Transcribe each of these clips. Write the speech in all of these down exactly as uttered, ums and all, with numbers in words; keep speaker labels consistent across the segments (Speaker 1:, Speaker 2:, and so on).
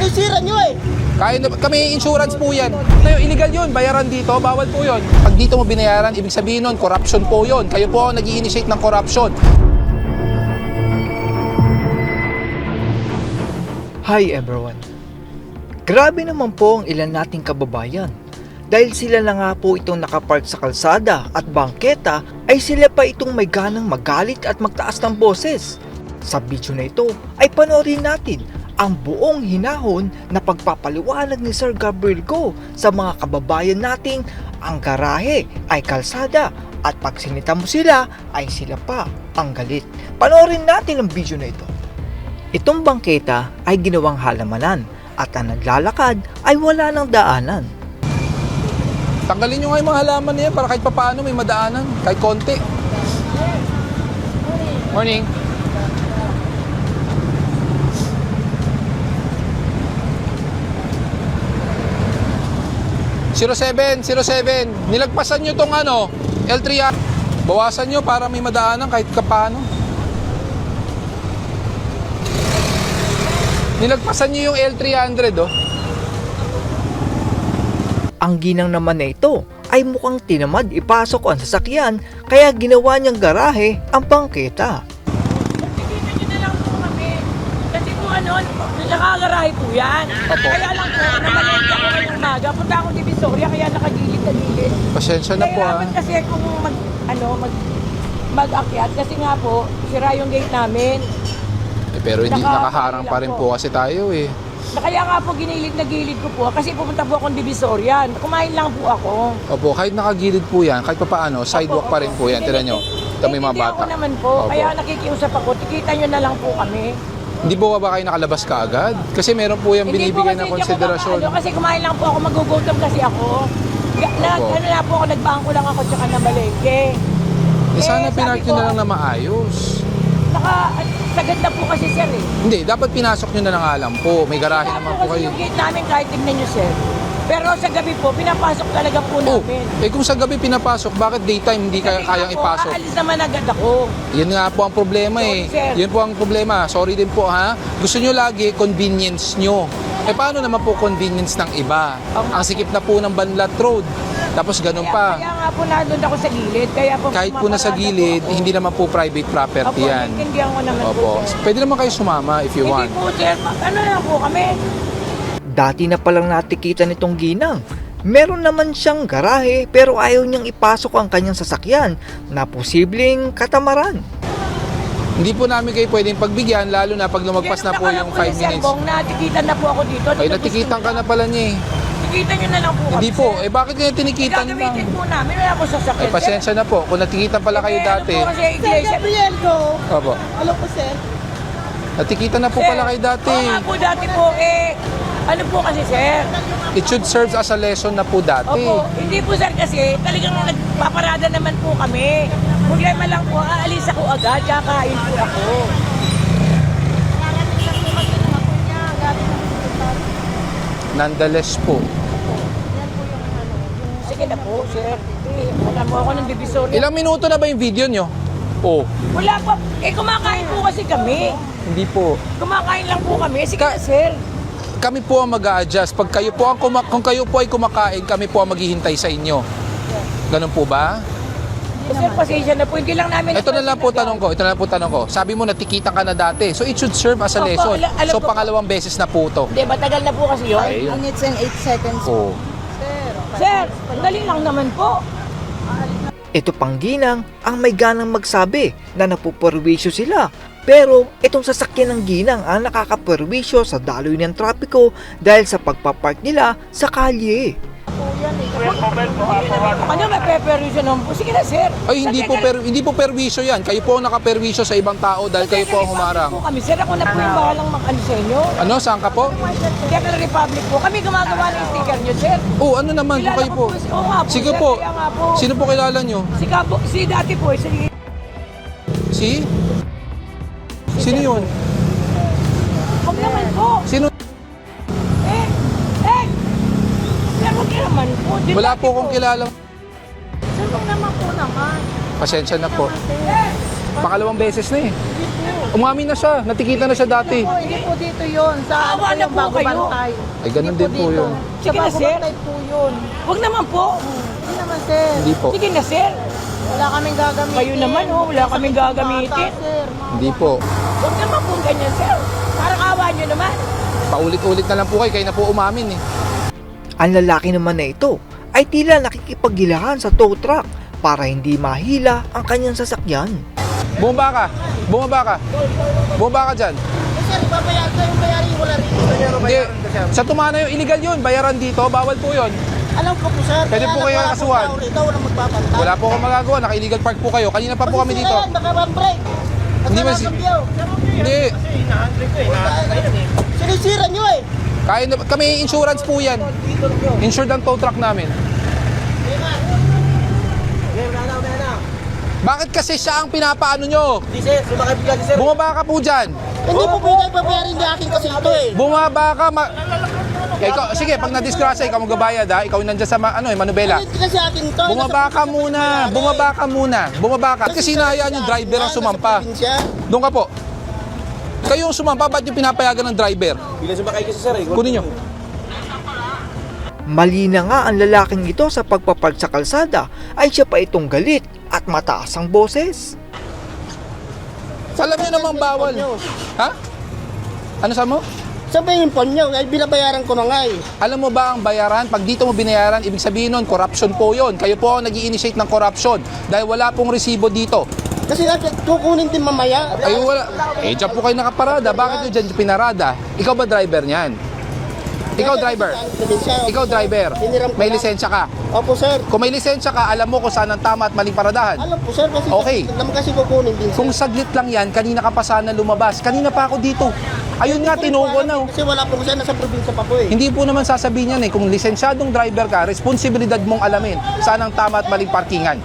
Speaker 1: yung sira nyo eh.
Speaker 2: Kaya na, kami insurance po yan. Tayo, illegal yun, bayaran dito, bawal po yun. Pag dito mo binayaran, ibig sabihin nun, corruption po yun. Kayo po ang nag-i-initiate ng corruption.
Speaker 3: Hi everyone! Grabe naman po ang ilan nating kababayan. Dahil sila na nga po itong nakapark sa kalsada at bangketa, ay sila pa itong may ganang magalit at magtaas ng boses. Sa video na ito ay panoorin natin ang buong hinahon na pagpapaliwanag ni Sir Gabriel Go sa mga kababayan nating ang garahe ay kalsada at pag sinita mo sila ay sila pa ang galit. Panoorin natin ang video na ito. Itong bangketa ay ginawang halamanan at ang naglalakad ay wala ng daanan.
Speaker 2: Tanggalin nyo nga yung mga halaman niya para kahit papaano may madaanan, kahit konti. Morning. zero seven, zero seven. Nilagpasan nyo tong ano, L three R. Bawasan nyo para may madaanan kahit papaano. Nilagpasan nyo yung L three hundred, oh.
Speaker 3: Ang ginang naman na ito ay mukhang tinamad ipasok ang sasakyan kaya ginawa niyang garahe ang bangketa.
Speaker 4: Nakikita nyo na lang po kami. Kasi po ano, nakagarahe po yan.
Speaker 2: Opo.
Speaker 4: Kaya lang po, namalente ako ngayong umaga. Punta akong Divisoria, kaya nakagilid na gilid.
Speaker 2: Pasensya na po, ah.
Speaker 4: Nahirapan kasi kung mag, ano, mag, mag-akyat. Kasi nga po, sira yung gate namin.
Speaker 2: Eh, pero hindi
Speaker 4: Naka-
Speaker 2: nakaharang pa rin po kasi tayo, eh.
Speaker 4: Na Kaya nga po, ginilid na gilid ko po. Kasi pupunta po akong Divisoria. Kumain lang po ako.
Speaker 2: Opo, kahit nakagilid po yan, kahit papaano, sidewalk pa rin po yan. Tira nyo, ito may mga bata.
Speaker 4: Hindi ako naman po.
Speaker 2: Opo.
Speaker 4: Kaya nakikiusap ako. Tikita nyo na lang po kami.
Speaker 2: Hindi po ba kayo nakalabas ka agad? Kasi meron po yung
Speaker 4: Hindi po
Speaker 2: binibigay
Speaker 4: kasi
Speaker 2: na
Speaker 4: hindi ako
Speaker 2: konsiderasyon.
Speaker 4: makaano, kasi kumain lang po ako, magugutom kasi ako. Ga- Na,
Speaker 2: Opo.
Speaker 4: ano na po ako, nagbangko lang ako tsaka na malengke.
Speaker 2: Eh, sana
Speaker 4: Eh,
Speaker 2: pinark
Speaker 4: sabi
Speaker 2: nyo
Speaker 4: ko,
Speaker 2: na lang na maayos.
Speaker 4: Naka, sagad na po kasi sir eh.
Speaker 2: Hindi, dapat pinasok nyo na lang alam po. May garahe
Speaker 4: Kaya
Speaker 2: naman
Speaker 4: po
Speaker 2: po
Speaker 4: kasi
Speaker 2: kayo.
Speaker 4: yung gate namin kahit tignan nyo sir. Pero sa gabi po, pinapasok talaga po
Speaker 2: Oh,
Speaker 4: namin.
Speaker 2: eh kung sa gabi pinapasok, bakit daytime hindi kaya
Speaker 4: Kasi
Speaker 2: kayang
Speaker 4: nga po,
Speaker 2: ipasok?
Speaker 4: aalis naman agad ako.
Speaker 2: Yun nga po ang problema eh.
Speaker 4: Sorry, sir.
Speaker 2: Yun po ang problema. Sorry din po ha. Gusto nyo lagi convenience nyo. Eh paano naman po convenience ng iba? Ang sikip na po ng Banlat Road. Tapos ganun
Speaker 4: Kaya,
Speaker 2: pa.
Speaker 4: kaya nga po nandun ako sa gilid. Kaya po
Speaker 2: Kahit po nasa
Speaker 4: pumaparada
Speaker 2: gilid,
Speaker 4: po ako.
Speaker 2: hindi naman po private property
Speaker 4: Opo,
Speaker 2: yan.
Speaker 4: naiintindihan ko naman po
Speaker 2: Opo.
Speaker 4: sir.
Speaker 2: Pwede naman kayo sumama if you
Speaker 4: Hindi
Speaker 2: want.
Speaker 4: po sir, ano na po kami.
Speaker 3: Dati na palang natikita nitong ginang. Meron naman siyang garahe pero ayaw niyang ipasok ang kanyang sasakyan na posibleng katamaran.
Speaker 2: Hindi po namin kayo pwedeng pagbigyan, lalo na pag lumagpas na po yung five minutes.
Speaker 4: Kung natikitan na po ako dito.
Speaker 2: Ay, natikitan ka na pala niya eh.
Speaker 4: Tikitan nyo na lang po kami.
Speaker 2: Hindi po.
Speaker 4: sir.
Speaker 2: Eh, bakit kayo tinikitan lang?
Speaker 4: Gagamitin po namin. Wala po sasakyan.
Speaker 2: Eh, pasensya na po. Kung natikitan pala kayo
Speaker 4: Eh,
Speaker 2: dati.
Speaker 4: Ano po kasi
Speaker 1: Sir
Speaker 4: iglesia.
Speaker 1: Gabriel Go.
Speaker 2: Opo.
Speaker 1: Hello po sir.
Speaker 2: Natikitan na po pala kayo dati.
Speaker 4: Oo nga po dati po eh. Ano po kasi sir?
Speaker 2: It should serve as a lesson na po dati.
Speaker 4: Opo. Hindi po sir kasi talagang nagpaparada naman po kami. Problema lang po, aalis ako agad. Kakain po ako.
Speaker 2: Nonetheless po.
Speaker 4: Sige na po sir. Eh, wala mo ako ng divisoria.
Speaker 2: Ilang minuto na ba yung video nyo? Oh,
Speaker 4: Wala pa. Eh kumakain po kasi kami.
Speaker 2: hindi po.
Speaker 4: Kumakain lang po kami. Sige
Speaker 2: Ka-
Speaker 4: na sir.
Speaker 2: Kami po ang mag-a-adjust. Pag kayo po ang kuma- kung kayo po ay kumakain, kami po ang maghihintay sa inyo. Ganun po ba?
Speaker 4: Eh, sir, pasensya na po. Hindi lang namin...
Speaker 2: Ito na lang po tanong ko. Ito na lang po tanong ko. Sabi mo natikitan ka na dati. So it should serve as a
Speaker 4: Opo,
Speaker 2: lesson.
Speaker 4: ala- alam
Speaker 2: So
Speaker 4: ko-
Speaker 2: pangalawang beses na po to.
Speaker 4: Hindi, matagal na po kasi yun.
Speaker 2: Ay,
Speaker 1: Minutes and eight seconds.
Speaker 2: oh.
Speaker 4: Sir, dali lang naman po.
Speaker 3: Ito pang ginang ang may ganang magsabi na napuperwisyo sila. Pero itong sasakyan ng ginang ang nakakaperwisyo sa daloy ng trapiko dahil sa pagpapark nila sa kalye.
Speaker 4: Ano, may preparation naman po. Sige na, sir.
Speaker 2: Ay, hindi po per, hindi po perwisyo yan. Kayo po ang nakaperwisyo sa ibang tao dahil kayo po ang humarang.
Speaker 4: Po kami, sir. Ako na po yung bahalang mag-ano sa inyo.
Speaker 2: Ano, saan ka po?
Speaker 4: Second Republic po. Kami gumagawa ng sticker nyo, sir.
Speaker 2: Oh, ano naman po
Speaker 4: Kilala
Speaker 2: kayo
Speaker 4: ko
Speaker 2: po?
Speaker 4: po si- oo nga po,
Speaker 2: Sige
Speaker 4: sir,
Speaker 2: po.
Speaker 4: kaya nga po.
Speaker 2: Sino po kilala nyo?
Speaker 4: Si Kapo, si dati po, si...
Speaker 2: Si? Sino yun?
Speaker 4: Huwag naman po.
Speaker 2: Sino?
Speaker 4: Eh, eh. Sir, huwag ka naman po. Di
Speaker 2: Wala
Speaker 4: dati
Speaker 2: po akong kilala.
Speaker 4: Sir, huwag naman po naman.
Speaker 2: Pasensya na po.
Speaker 4: Sir,
Speaker 2: Pangalawang beses na eh. Umamin na siya, natikita na siya dati.
Speaker 1: Po, hindi po dito yun. Sa ano
Speaker 4: Awa
Speaker 1: po
Speaker 4: na
Speaker 1: yung
Speaker 4: po
Speaker 1: bago
Speaker 4: kayo.
Speaker 1: bantay.
Speaker 2: Ay, ganun
Speaker 1: Hindi
Speaker 2: din po
Speaker 1: dito.
Speaker 2: yun.
Speaker 1: Sa
Speaker 4: Sige na,
Speaker 1: bago
Speaker 4: sir.
Speaker 1: bantay po yun.
Speaker 4: Huwag naman po.
Speaker 1: Hindi naman, sir.
Speaker 2: Hindi po.
Speaker 4: Sige na, sir.
Speaker 1: Wala kaming gagamitin.
Speaker 4: Kayo naman, oh, wala kaming gagamitin.
Speaker 1: Bata, sir.
Speaker 2: Hindi po.
Speaker 4: Huwag naman po ganyan, sir. Parang awa nyo naman.
Speaker 2: Paulit-ulit na lang po kayo, kayo na po umamin eh.
Speaker 3: Ang lalaki naman na ito ay tila nakikipaggilahan sa tow truck para hindi mahila ang kanyang sasakyan.
Speaker 2: Bumaba ka, bumaba ka. Bumaba ka dyan.
Speaker 1: Eh, sir, ibabayad ko yung bayarin wala rin.
Speaker 2: Hindi, sa tumana yung illegal yun, bayaran dito, bawal po yun.
Speaker 1: Alam ko po, sir.
Speaker 2: Pwede
Speaker 1: kaya
Speaker 2: po kayo
Speaker 1: nagwala
Speaker 2: nakasuhan.
Speaker 1: tao rito, walang magbabantay.
Speaker 2: Wala po akong magagawa, naka-illegal park po kayo. Kanina pa po kami dito.
Speaker 1: Yan, baka mag-break.
Speaker 2: Hindi man si- Hindi,
Speaker 1: Sinisira nyo eh.
Speaker 2: kaya na, kami insurance po yan. Insured ang tow truck namin. Bakit kasi siya ang pinapaano nyo? Bumaba ka po dyan.
Speaker 1: Hindi po pwede babayarin niya akin kasi ito eh.
Speaker 2: Bumaba ka. Ma- Eh, ikaw, sige, pag na-disgrasya, ikaw magbabayad ha. Ikaw nandiyan sa ma- ano, eh, Manubela.
Speaker 1: Hindi kasi akin ito.
Speaker 2: Bumaba ka muna. Bumaba ka muna. Bumaba ka. Kasi hinahayaan yung driver ang sumampa. Doon ka po. Kayo yung sumampa, ba't yung pinapayagan ng driver?
Speaker 5: Bilang sumakay kasi sir eh.
Speaker 2: Kunin nyo.
Speaker 3: Mali na nga ang lalaking ito sa pagpapark sa kalsada ay siya pa itong galit at mataas ang boses.
Speaker 2: Alam nyo namang bawal. Ha? Ano sa mo?
Speaker 1: Sabihin po nyo, ay binabayaran ko na nga eh.
Speaker 2: Alam mo ba ang bayaran? Pag dito mo binayaran, ibig sabihin nun, corruption po yun. Kayo po ang nag-i-initiate ng corruption dahil wala pong resibo dito.
Speaker 1: Kasi nga, kukunin din mamaya.
Speaker 2: Ay wala. Eh, dyan po kayo nakaparada. Bakit nyo dyan pinarada? Ikaw ba driver niyan? Ikaw driver. Ikaw driver. May lisensya ka.
Speaker 1: Opo sir.
Speaker 2: Kung may lisensya ka, alam mo kung saan ang tama at maling paradahan.
Speaker 1: Alam po sir, kasi
Speaker 2: Okay.
Speaker 1: alam kasi kukunin din sir.
Speaker 2: Kung saglit lang yan, kanina ka pa sana lumabas. Kanina pa ako dito. Ayun nga, tinuko na. oh.
Speaker 1: Kasi wala po kasi nasa probinsya pa po eh.
Speaker 2: Hindi po naman sasabihin yan eh. Kung lisensyadong driver ka, responsibilidad mong alamin saan ang tama at maling parkingan.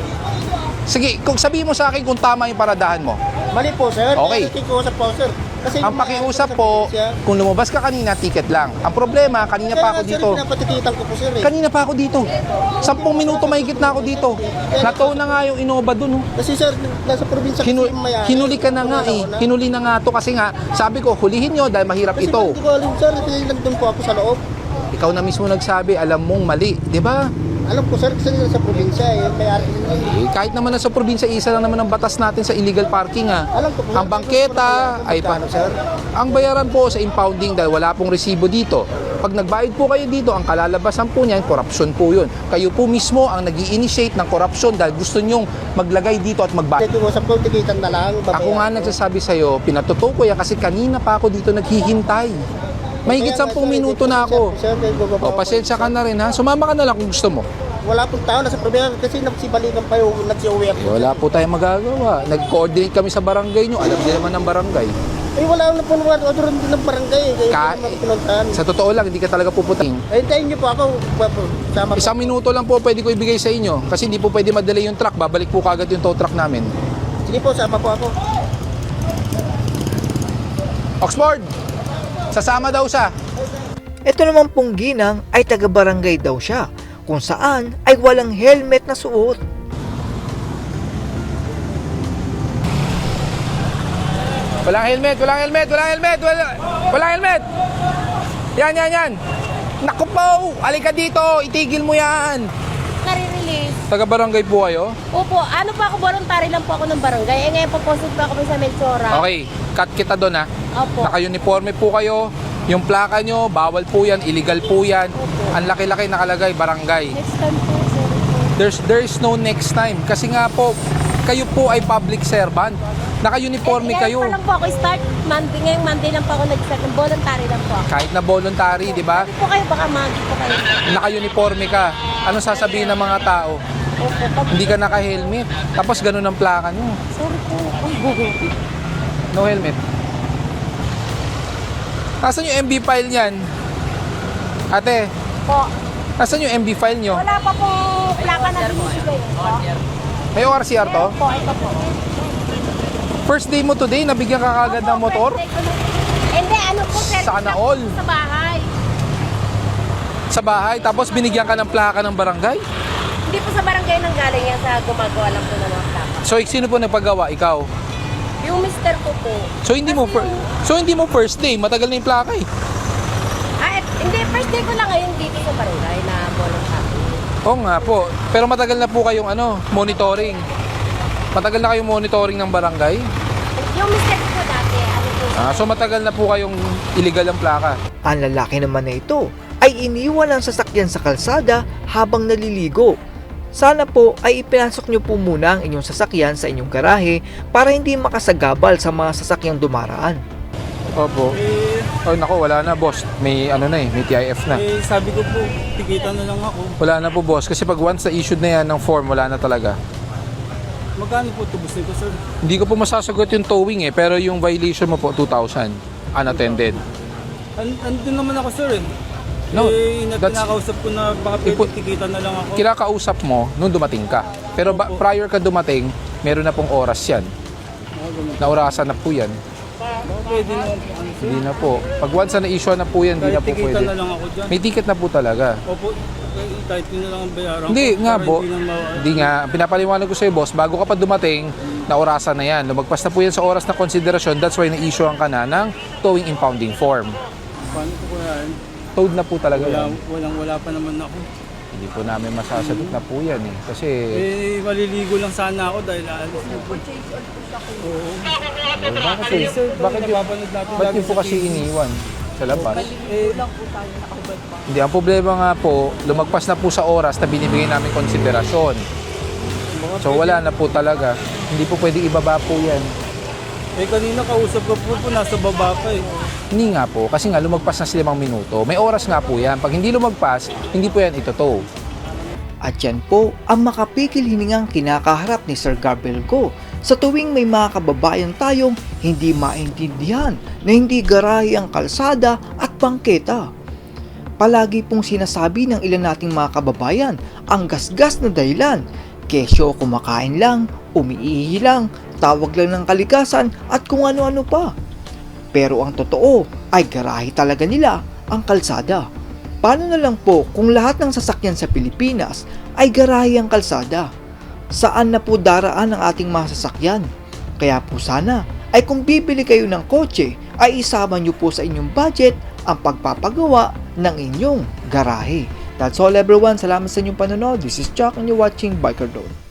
Speaker 2: Sige, kung sabihin mo sa akin kung tama yung paradahan mo.
Speaker 1: Mali po sir.
Speaker 2: Okay.
Speaker 1: Kaya nakikiusap po sir. Kasi
Speaker 2: Ang
Speaker 1: yung mga
Speaker 2: pakiusap
Speaker 1: sa
Speaker 2: po,
Speaker 1: probinsya,
Speaker 2: kung lumabas ka kanina, ticket lang. Ang problema, kanina
Speaker 1: kaya
Speaker 2: pa ako
Speaker 1: nga, sir,
Speaker 2: dito.
Speaker 1: pinapatikitan ko po sir eh.
Speaker 2: Kanina pa ako dito. Sampung minuto mahigit na ako dito. Natow na nga yung Innova dun. Oh.
Speaker 1: Kasi sir, nasa probinsya
Speaker 2: Hinu-
Speaker 1: kasi yung mayari.
Speaker 2: hinuli ka na nga eh. Hinuli na nga to kasi nga, sabi ko, hulihin nyo dahil mahirap
Speaker 1: Kasi
Speaker 2: ito.
Speaker 1: hindi ko alam sir, kasi nandun po ako sa loob.
Speaker 2: Ikaw na mismo nagsabi, alam mong mali. Di ba?
Speaker 1: Alam ko sir, kasi nasa probinsya eh, mayari.
Speaker 2: Eh, kahit naman nasa probinsya, isa lang naman ang batas natin sa illegal parking ha.
Speaker 1: Alam ko po.
Speaker 2: Ang bangketa ay pa,
Speaker 1: Magkano, sir?
Speaker 2: ang bayaran po sa impounding dahil wala pong resibo dito. Pag nagbayad po kayo dito, ang kalalabasan po niyan, korupsyon po yun. Kayo po mismo ang nag initiate ng korupsyon dahil gusto nyong maglagay dito at magbayad.
Speaker 1: Kaya usap ko, tikitan na lang.
Speaker 2: Ako nga nagsasabi sa'yo, pinatuto ko yan kasi kanina pa ako dito naghihintay. Mahigit sampung minuto na ako. O, pasensya ka na rin ha. Sumama ka na lang kung gusto mo.
Speaker 1: Wala pong tao, nasa probinsya kasi nagsibalikan pa yung nagsiuwi ako.
Speaker 2: Eh, wala po tayong magagawa. Nag-coordinate kami sa barangay nyo. Alam din naman ng barangay.
Speaker 1: Eh wala na po naman, order din ng barangay eh. Kaya
Speaker 2: Ka-
Speaker 1: hindi naman pinuntahan.
Speaker 2: Sa totoo lang, hindi ka talaga pupuntahin.
Speaker 1: Eh, hintayin niyo po ako. Sama po.
Speaker 2: Isang minuto lang po pwede ko ibigay sa inyo. Kasi hindi po pwede madali yung truck. Babalik po kagad yung tow truck namin.
Speaker 1: Sige po, sama po ako.
Speaker 2: Oxford! Sasama daw siya.
Speaker 3: Ito naman pong ginang ay taga-barangay daw siya, kung saan ay walang helmet na suot.
Speaker 2: Walang helmet, walang helmet, walang helmet, wala, walang helmet. Yan, yan, yan. Naku po, alika dito, itigil mo yan.
Speaker 6: Nare-release.
Speaker 2: Taga-barangay po kayo?
Speaker 6: Opo, ano po ako, voluntary lang po ako ng barangay. Eh ngayon po posted po ako sa Melsora.
Speaker 2: Okay, cut kita doon ha.
Speaker 6: Opo.
Speaker 2: Naka-uniforme po kayo. Yung plaka nyo, bawal po yan, illegal po yan. Ang laki-laki nakalagay, barangay.
Speaker 6: Next time po, sir.
Speaker 2: There's, there is no next time. Kasi nga po, kayo po ay public servant. Naka-uniforme
Speaker 6: eh,
Speaker 2: kayo.
Speaker 6: pa lang po ako start Monday. Ngayong Monday lang po ako nag-start. Voluntary lang po ako.
Speaker 2: Kahit na voluntary, di ba?
Speaker 6: Sabi po kayo, baka magi po kayo.
Speaker 2: Naka-uniforme ka. Ano sasabihin ng mga tao?
Speaker 6: Opo, pag...
Speaker 2: Hindi ka naka-helmet. Tapos ganun ang plaka nyo.
Speaker 6: Sorry po.
Speaker 2: No helmet. Nasaan yung M B file niyan? Ate,
Speaker 6: po.
Speaker 2: nasaan yung M B file nyo?
Speaker 6: Wala pa po plaka na binibigay. Po.
Speaker 2: May O R C R to?
Speaker 6: Po, ito po.
Speaker 2: First day mo today, nabigyan ka kagad ng motor?
Speaker 6: Hindi, ano po, sir.
Speaker 2: Sana all.
Speaker 6: Sa bahay.
Speaker 2: Sa bahay, tapos binigyan ka ng plaka ng barangay?
Speaker 6: Hindi po sa barangay nang galing yan sa gumagawa lang po ng mga plaka.
Speaker 2: So, sino po nagpagawa? Ikaw?
Speaker 6: Yung mister ko po.
Speaker 2: So, hindi mo fir- So, hindi mo first day. Matagal na yung plaka eh.
Speaker 6: Ah, et- hindi, first day ko lang ngayon dito sa barangay na volunteer.
Speaker 2: Oo nga po. Pero matagal na po kayong ano, monitoring. Matagal na kayong monitoring ng barangay.
Speaker 6: Yung mister ko po dati, ano po siya?
Speaker 2: Ah, so matagal na po kayong illegal ang plaka.
Speaker 3: Ang lalaki naman na ito ay iniwan ang sasakyan sa kalsada habang naliligo. Sana po ay ipinasok nyo po muna ang inyong sasakyan sa inyong garahe para hindi makasagabal sa mga sasakyang dumaraan.
Speaker 2: Opo.
Speaker 5: Eh,
Speaker 2: Oh, nako, wala na, boss. May ano na eh, may T I F na.
Speaker 5: eh, sabi ko po, tikita na lang ako.
Speaker 2: Wala na po, boss. Kasi pag once na issued na yan ng form, wala na talaga.
Speaker 5: Magkano po tubos nito, sir?
Speaker 2: Hindi ko po masasagot yung towing eh, pero yung violation mo po, two thousand. Unattended.
Speaker 5: An- andun naman ako, sir, eh.
Speaker 2: No,
Speaker 5: eh, na-
Speaker 2: that's-
Speaker 5: pinakausap ko na baka pwede
Speaker 2: Ipo-
Speaker 5: tikita na lang ako.
Speaker 2: Kinakausap mo nung dumating ka. Pero ba, prior ka dumating, meron na pong oras yan. Naurasan na po yan.
Speaker 5: Baka pwede naman po, ano, sir.
Speaker 2: Hindi na po. Pag once na na-issue na po yan, hindi
Speaker 5: Kahit
Speaker 2: na po
Speaker 5: tikita
Speaker 2: pwede.
Speaker 5: na lang ako dyan.
Speaker 2: May ticket na po talaga.
Speaker 5: Opo, eh, kahit yun na lang ang bayaran
Speaker 2: Hindi
Speaker 5: ko,
Speaker 2: nga
Speaker 5: para
Speaker 2: po.
Speaker 5: Hindi, na ma-
Speaker 2: Hindi nga. Pinapaliwanag ko sa'yo, boss, bago ka pa dumating, na orasan na yan. Lumagpas na po yan sa oras na konsiderasyon. That's why na-issue ka na ng towing impounding form.
Speaker 5: Paano ko kaya yan?
Speaker 2: Towed na po talaga
Speaker 5: Wala,
Speaker 2: yan.
Speaker 5: walang wala pa naman ako.
Speaker 2: Hindi po namin masasagot na po yan eh. Kasi,
Speaker 5: Eh, maliligo lang sana ako dahil aalis na po. Oo.
Speaker 2: bakit
Speaker 5: Eh,
Speaker 2: eh?
Speaker 5: sir,
Speaker 2: Bakit yun?
Speaker 5: napapanood natin
Speaker 2: Ba't
Speaker 5: lagi
Speaker 2: yun po
Speaker 5: sa
Speaker 2: kasi
Speaker 5: T V.
Speaker 2: iniwan sa labas?
Speaker 5: Eh,
Speaker 2: Hindi, ang problema nga po, lumagpas na po sa oras na binibigay namin konsiderasyon. So wala na po talaga. Hindi po pwede ibaba po yan.
Speaker 5: eh, kanina kausap ko po po, nasa baba pa eh.
Speaker 2: Hindi nga po, kasi nga lumagpas na sa limang minuto. May oras nga po yan. Pag hindi lumagpas, hindi po yan itotow.
Speaker 3: At yan po ang makapikil hiningang kinakaharap ni Sir Gabriel Go sa tuwing may mga kababayan tayong hindi maintindihan na hindi garahe ang kalsada at bangketa. Palagi pong sinasabi ng ilan nating mga kababayan ang gasgas na dahilan, kesyo kumakain lang, umiihi lang, tawag lang ng kalikasan at kung ano-ano pa. Pero ang totoo ay garahe talaga nila ang kalsada. Paano na lang po kung lahat ng sasakyan sa Pilipinas ay garahe ang kalsada? Saan na po daraan ang ating mga sasakyan? Kaya po sana ay kung bibili kayo ng kotse ay isama nyo po sa inyong budget ang pagpapagawa ng inyong garahe. That's all everyone. Salamat sa inyong panonood. This is Chuck and you're watching Biker Road.